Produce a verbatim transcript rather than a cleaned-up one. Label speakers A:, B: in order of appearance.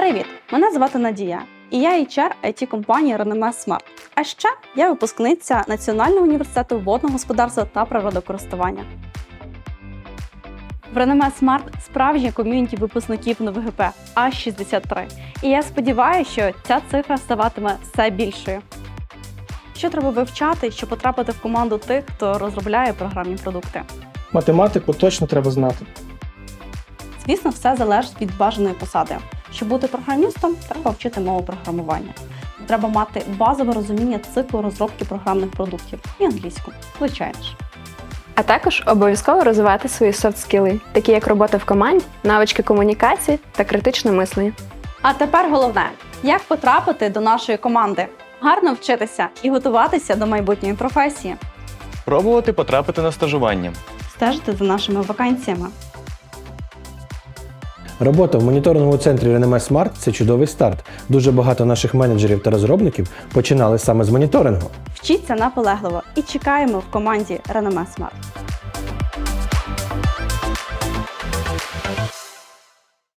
A: Привіт! Мене звати Надія, і я ейч ар ай ті-компанії Renomé Smart. А ще я випускниця Національного університету водного господарства та природокористування. В Renomé Smart справжнє ком'юніті випускників на ВГП – аж шістдесят три. І я сподіваюся, що ця цифра ставатиме все більшою. Що треба вивчати, щоб потрапити в команду тих, хто розробляє програмні продукти?
B: Математику точно треба знати.
A: Звісно, все залежить від бажаної посади. Щоб бути програмістом, треба вчити мову програмування. Треба мати базове розуміння циклу розробки програмних продуктів і англійську, звичайно ж.
C: А також обов'язково розвивати свої софт-скіли, такі як робота в команді, навички комунікації та критичне мислення.
A: А тепер головне – як потрапити до нашої команди? Гарно вчитися і готуватися до майбутньої професії.
D: Пробувати потрапити на стажування.
A: Стежити за нашими вакансіями.
E: Робота в моніторинговому центрі Renomé Smart – це чудовий старт. Дуже багато наших менеджерів та розробників починали саме з моніторингу.
A: Вчіться наполегливо і чекаємо в команді Renomé Smart.